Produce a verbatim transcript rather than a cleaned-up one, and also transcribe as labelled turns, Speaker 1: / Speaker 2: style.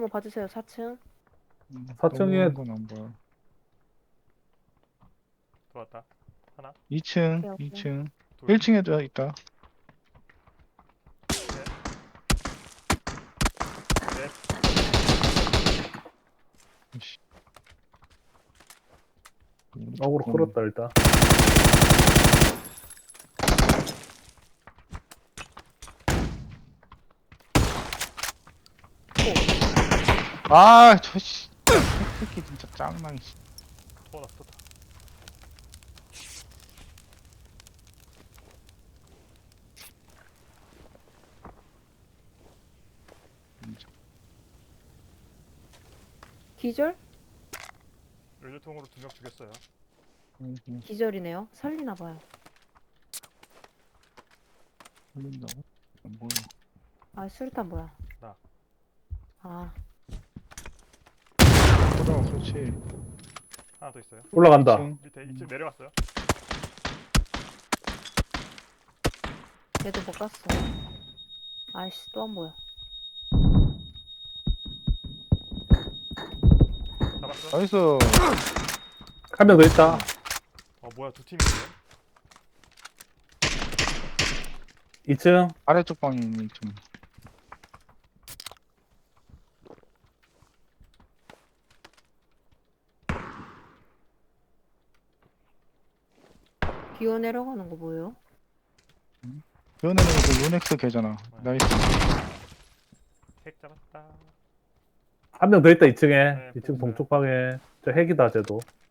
Speaker 1: 한번 봐주세요. 사 층.
Speaker 2: 사층에
Speaker 3: 건안 보여.
Speaker 4: 들어왔다. 하나,
Speaker 3: 이 층,
Speaker 1: 오케이, 오케이.
Speaker 3: 이 층.
Speaker 4: 둘,
Speaker 3: 일 층에도 있다.
Speaker 4: 셋, 넷.
Speaker 3: 씨.
Speaker 2: 어그로 끌었다 일단.
Speaker 3: 아, 저 씨. 새끼 진짜 짱망이. 씨.
Speaker 4: 또 났어, 또 다.
Speaker 3: 진짜.
Speaker 1: 기절?
Speaker 4: 연료통으로 두 명 죽였어요.
Speaker 3: 음, 음,
Speaker 1: 기절이네요. 살리나 봐요.
Speaker 3: 걸린다고? 안 보여.
Speaker 1: 아, 수류탄 뭐야?
Speaker 4: 나.
Speaker 1: 아,
Speaker 3: 보다가 그렇지.
Speaker 4: 하나 더 있어요.
Speaker 2: 올라간다.
Speaker 3: 이 층.
Speaker 4: 밑에 이 층 내려갔어요.
Speaker 1: 얘도 못 갔어. 아이씨, 또 안 보여.
Speaker 4: 잡았어.
Speaker 3: 나이스.
Speaker 2: 한 명 더 있다.
Speaker 4: 어 뭐야 두 팀인데?
Speaker 2: 이 층.
Speaker 3: 아래쪽 방이 좀.
Speaker 1: 기어 내려가는 거 뭐예요?
Speaker 3: 연애는 그 요넥스 걔잖아. 나이스.
Speaker 4: 핵 잡았다.
Speaker 2: 한 명 더 있다 이 층에.
Speaker 4: 네,
Speaker 2: 이 층
Speaker 4: 보였어요.
Speaker 2: 동쪽 방에. 저 핵이다 쟤도.